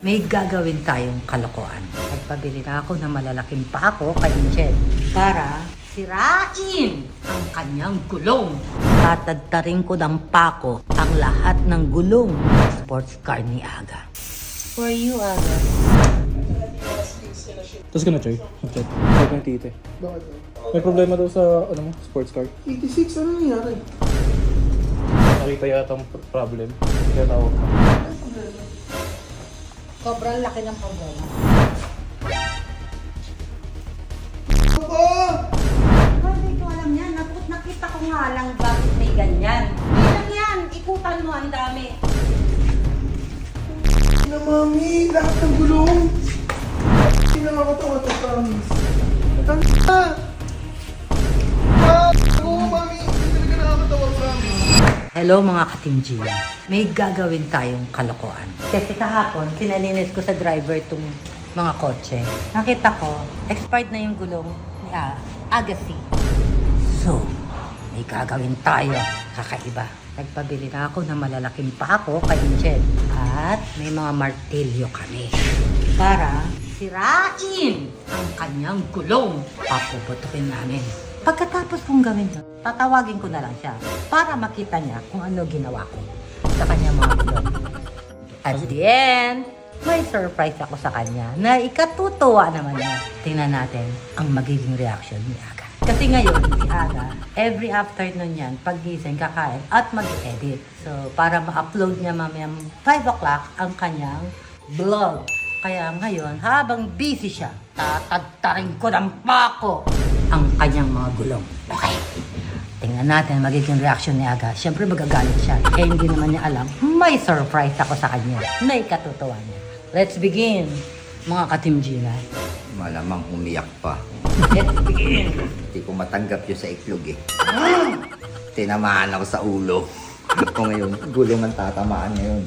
may gagawin tayong kalokohan. Nagpabili na ako ng malalaking pako kay Angel para sirain ang kanyang gulong. Tatadtarin ko ng pako ang lahat ng gulong ng sports car ni Aga. For you, Aga. Tapos ka na, Choy. Mag-chat. Huwag ng tite. Bakit? May problema daw sa, sports car. 86, ano nangyari? Nakita yata ang problem. Kaya tawag ka. Sobrang laki ng problema. Hindi ko alam yan. Nakita ko nga lang bakit may ganyan. Hindi lang yan. Ikutan mo ang dami. Na mami, lahat ng gulong. Hindi na nakakatawa to, promise. Tanda! Oo, mami, hindi talaga nakakatawa, promise. Hello mga ka-Team Gina. May gagawin tayong kalokohan. Kasi kahapon, kinalinis ko sa driver itong mga kotse. Nakita ko, expired na yung gulong ni Agassi. So, may gagawin tayo. Kakaiba. Nagpabili na ako ng malalaking pako kay Angel. At may mga martilyo kami. Para sirain ang kanyang gulong. Papuputukin namin. Pagkatapos kong gawin yun, tatawagin ko na lang siya para makita niya kung ano ginawa ko sa kanyang mga gulong. At the end, may surprise ako sa kanya na ikatutuwa naman niya. Tingnan natin ang magiging reaction ni Aga. Kasi ngayon, si Aga, every afternoon yan, paggising, kakain at mag-edit. So, para ma-upload niya mamayang 5 o'clock ang kanyang vlog. Kaya ngayon, habang busy siya, tatadtarin ko ng pako ang kanyang mga gulong. Okay. Tingnan natin magiging reaction ni Aga. Siyempre magagalit siya. Eh hindi naman niya alam, may surprise ako sa kanya na ikatutuwa niya. Let's begin, mga ka-Team Gina. Malamang umiyak pa. Let's begin. Hindi ko matanggap yun sa iklog eh. Tinamaan ako sa ulo. Ako ngayon, gulong ang tatamaan ngayon.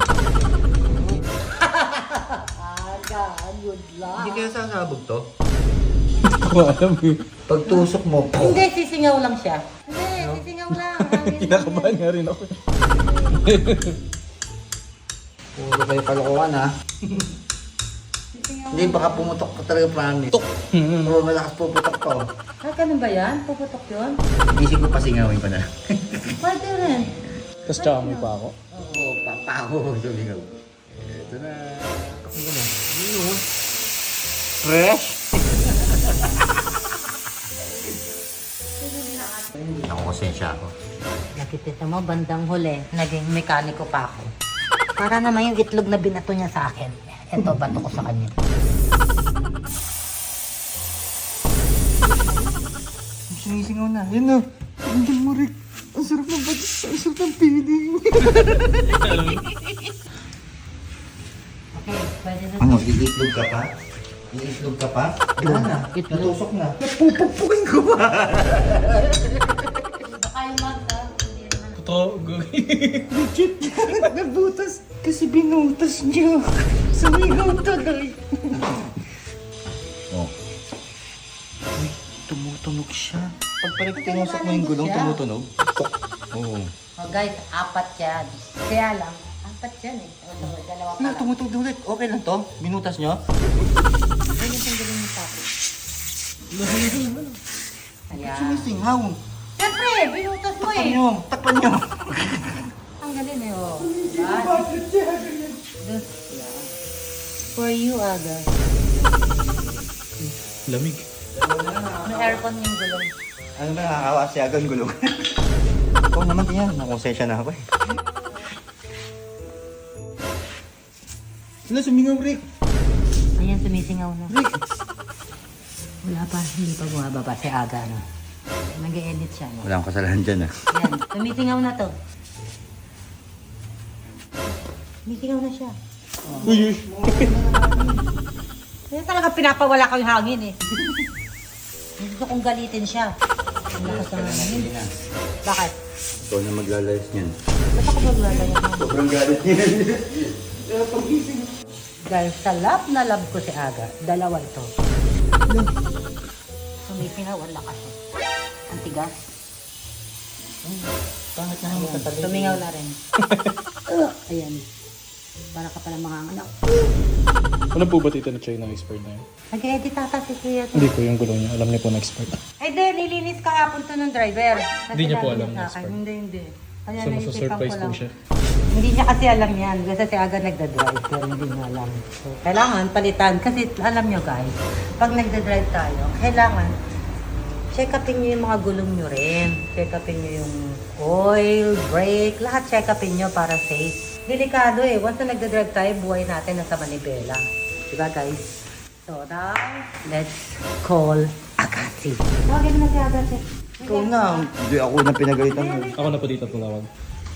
Aga, good luck. Hindi kaya sasabog to? Hindi ko alam eh. Pagtusok mo, Hindi, sisingaw lang siya. Hindi, sisingaw lang. Kinakabahan nga rin ako. puro kayo kalokohan ha. Hindi, baka pumutok ka talaga, promise. Oo, malakas puputok pa. Oh. Ah, ganun ba yan? Puputok yun? Isip ko pasingawin ko na. Pwede rin. Tapos tsaka may pa ako. Oo, papako. Sumingaw. Ito na. Ano na? Ano? Fresh? Ako konsensya ako. Nakikita mo, bandang huli, naging mekaniko pa ako. Para naman yung itlog na binato niya sa akin. Ito, bato ko sa kanya. Sinisingaw na. Yan na. Angel mo, Rick. Ang sarap ng batis. Ang sarap ng feeling. Okay, pwede na. Ano, iitlog ka pa? Iitlog ka pa? Wala na. Itlog. Natusok na. Napupugpukin ko pa. Baka yung magda, hindi naman. Totoo. Legit. Nabutas. Kasi binutas niya. Sumigaw tuloy. Oh. Tumutunog siya. Pag tinusok mo yung gulong, tumutunog. Oo. Oh guys, 4 yan. Kaya lang, 4 yan eh. O, dalawa pa Na, lang. tumutunog ulit. Okay lang to? Binutas nyo? Ayun yung galing ni Papo. Ayan. Sinisingaw. Siyempre, binutas mo Takpan eh. nyo. Takpan nyo. Ang galing eh, oh. This, yeah. For you, Aga. Lamig. May aircon yung gulong. Ano ba nakakawa siya ang gulong? Oo naman din yan. Nakonsensya na ako eh. Sila sumingaw, Rick. Ayan, sumisingaw na. Wala pa, hindi pa bumababa si Aga, no? Nag-e-edit siya, no? Wala akong kasalanan dyan ah. Ayan, sumisingaw na to. Sumisingaw na siya. Uy, uy. Kaya talaga pinapawala ko yung hangin, eh. Gusto kong galitin siya. Ang lakas ng hangin. Bakit? Ikaw na maglalayas niyan. Ba't ako maglalaya mo? Sobrang galit niya. Guys, sa love na love ko si Aga, dalawa ito. Sumisingaw, ang lakas. Ang tigas. Bakit na Ayan, tumingaw na rin. Ayan. Para ka pala mga anak. Alam po ba tita na China expert na yun? Nag-edit ata si Kuya. Hindi po yung gulong niya. Alam niya po na expert. Ay, di, nilinis kahapon to ng driver. Hindi niya po Sinabi alam sa na akin. expert. Hindi. Kaya So, naisipan masasurprise ko po lang. siya. Hindi niya kasi alam yan. Kasi si Aga nagda-drive, pero hindi niya alam. So, kailangan palitan. Kasi alam nyo guys, pag nagda-drive tayo, kailangan check upin nyo yung mga gulong nyo rin. Check upin nyo yung oil, brake, lahat check upin nyo para safe. Delikado eh. Once na nagda-drive tayo, buhay natin nasa manibela. Diba guys? So now, let's call Agassi. Tawagin mo na si Agassi. Ikaw na. Hindi ako na pinagalitan mo. Ako na po dito tumawag.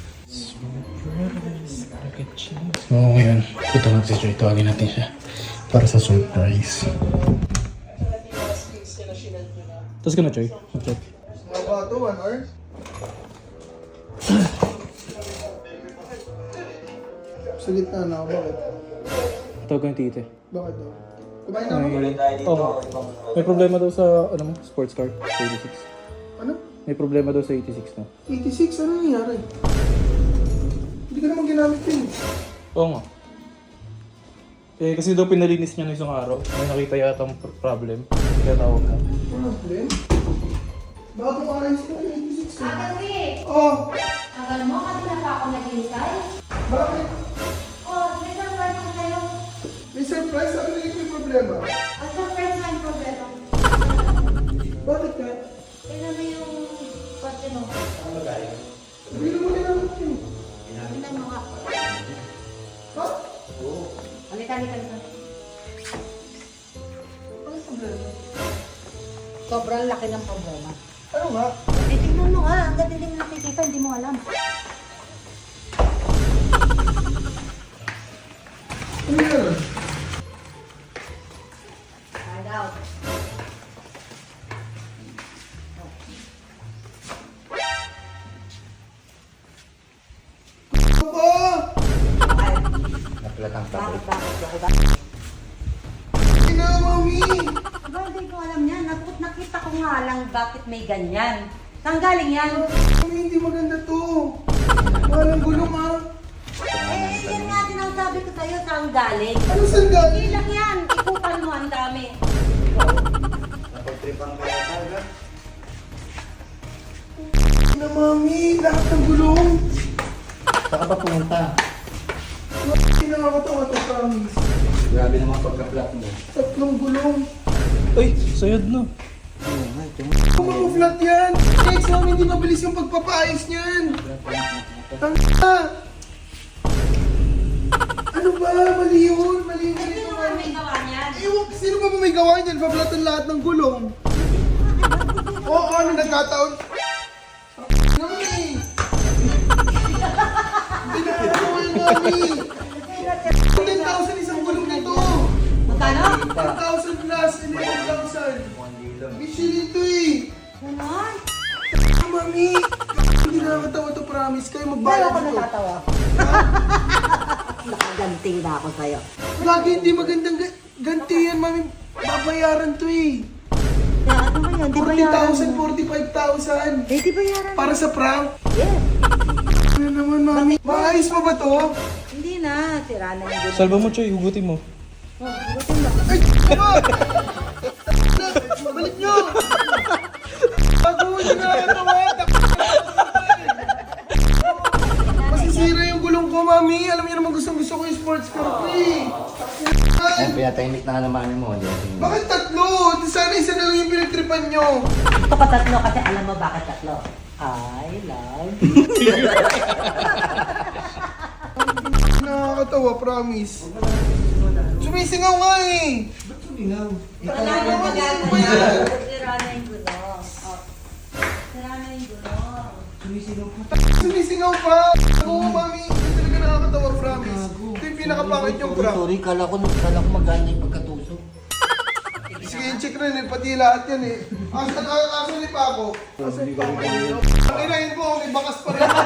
Oo, ngayon. Punta natin si Joy. Tawagin natin siya. Para sa surprise. Tapos ka na, Joy. Mag-check. Mga bato, 1 hour? Sa gitna na ako, bakit? Tawag ko yung tite. Bakit daw? Kumain na ako? Oo. May problema daw sa, sports car. Sa 86. Ano? May problema daw sa 86 na. 86? Ano nangyari? Hindi ka naman ginamit yun. Oo nga. Eh, kasi daw pinalinis niya ng isang araw. May nakita yata ang problem. Kaya tawag ka. Problem? Bagong ayos na 86 na. Kasi, Oh! alam mo, kanina pa ako naghihintay. Bakit? Oh, may surprise ko sa'yo. May surprise? Ano na yung problema? Ang surprise na yung problema. Bakit ka? Tignan mo yung kotse mo. Hindi naman ginamit yun. Tignan mo nga. Ha? Halika. Ano problema? Sobrang laki ng problema. Ano nga? Tingnan mo nga, hanggang hindi mo nakikita, hindi mo alam. Ano yan? Find out. Ano ba? Napalat ang tablet. Bakit? Hindi na, mami! Diba, hindi ko alam yan. Nakita ko nga lang bakit may ganyan. Saan galing yan? Mami, hindi maganda to. Walang gulong ha. Yan nga din ang sabi ko sa'yo, saan galing? Ano saan galing? Hindi lang yan. Ikutan mo, ang dami. Napagtripan ka na talaga. Na, mami, lahat ng gulong. Saan ka ba pumunta? Hindi nakakatawa to, promise. Grabe naman pagka-flat mo. 3 gulong. Ay, sayad na. Oo nga, ito. Kung mag-flat yan, kahit sa amin, hindi mabilis yung pagpapaayos niyan. Tanga! Ano ba? Mali yun. Mali yun. Sino nga may gawa niyan? Ewan, sino ba may gawa niyan? Pablatan lahat ng gulong. Oo, ano nagkataon? Naman eh. Hindi na ako yung mami. 10,000 isang gulong nito. Magkano? 10,000 plus, 11,000. Michelin to eh. Ganon? Mami, hindi nakakatawa to, promise. Kayo Kaya magbayad ako ito. natatawa. Nakaganting na ako sa'yo. Lagi hindi magandang ganti yan, mami. Babayaran to eh. Kaya ano ba yan? Di ba yaran? 40,000, 45,000. Eh, di ba yaran? Para sa prank. Yes. Ano naman, mami? Maayos pa ba to? Hindi na. Sira na yung gulo. Salba mo, Choy. Hugutin mo. Oh, butin mo. Ay, ano? Balik nyo! Bago hindi nakakatawa. Masisira yung gulong ko, mami. Alam niyo naman gustong-gusto ko yung sports car ko eh. Ay, pinatahimik na naman mo. Hindi natin. Bakit 3? Sana isa na lang yung pinagtripan nyo. Gusto ko 3 kasi alam mo bakit 3. I love Nakakatawa, promise. Sumisingaw nga eh. Ba't sumingaw? Wala na magagawa. Sira na yung gulong. Oh. Sira na yung gulong. Sumisingaw pa. Oo, mami. Hindi talaga nakakatawa, promise. Ito yung pinakapangit yung prank. Sorry, kala ko maganda yung pagkatusok. Sige, check na yun. Pati lahat yan eh. Asan ni Paco? Asan ni Paco? Ang inahin ko, may bakas pa rin.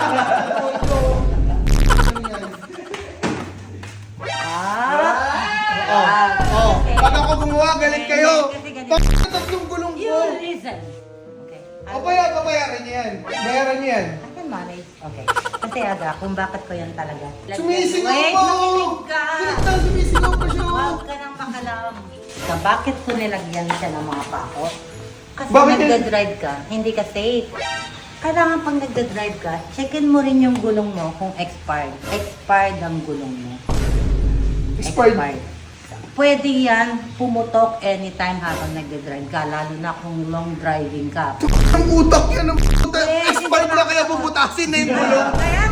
Pag ako gumawa, galit kayo. Kasi ganito. Tatlong gulong You ko. listen. Okay. Babayaran niya yan. Bayaran niya yan. I can manage. Okay. Kasi Aga, kung bakit ko yan talaga. Sumisingaw Wait, pa! makinig ka. Sumisingaw pa siya! Huwag ka nang ka, bakit ko nilagyan siya ng mga pako? Kasi Bakit nagda-drive ka, hindi ka safe. Kailangan pag nagda-drive ka, checkin mo rin yung gulong mo kung expired. Expired ang gulong mo. Expired. Pwede yan pumutok anytime habang nagda-drive ka, lalo na kung long driving ka. Ang utak yan ng puta. Eh, Expired na kaya bubutasin na yung gulong. Kaya